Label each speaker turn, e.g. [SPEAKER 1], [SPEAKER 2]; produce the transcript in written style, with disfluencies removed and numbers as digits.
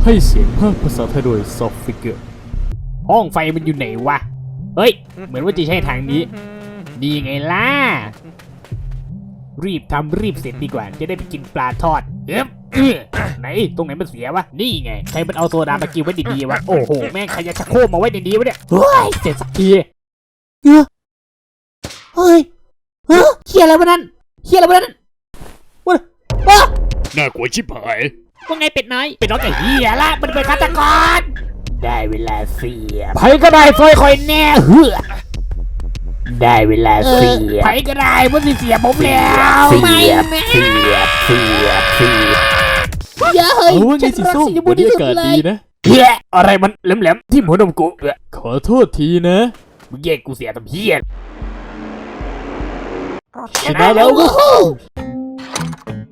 [SPEAKER 1] ให้เสียงภาคภาษาไทยโดย Soft Figure ห้องไฟมันอยู่ไหนวะเฮ้ยเหมือนว่าจะใช่ทางนี้ดีไงล่ะรีบทำรีบเสร็จดีกว่าจะได้ไปกินปลาทอดไหนตรงไหนมันเสียวะนี่ไงใครมันเอาโซดามากินไว้ดีๆวะโอ้โหแม่งใครจะชักโครกมาไว้ดีๆวะเนี่ยเฮ้ยเสร็จสักทีเฮ้ยเฮียอะไรวะนั่นเฮียอะไรวะนั่นวะ
[SPEAKER 2] น่ากลัวชิบหาย
[SPEAKER 1] ว่าไงเป็ดน้อยเป็ดน้อยไอ้เฮียละมันเป็นฆาตกรได้เวลาเสียไผก็ได้ซอยคอยแน่เหือได้เวลาเสียไผก็ได้เมื่อเสียผมแล้วไม่แม่เย้ยฉันรักสีชมพูที่สุดเลยนะเฮ้ยอะไรมันแหลมๆที่หัวนมกูขอโทษทีนะมึงแยกกูเสียทำเฮียชนะแล้ว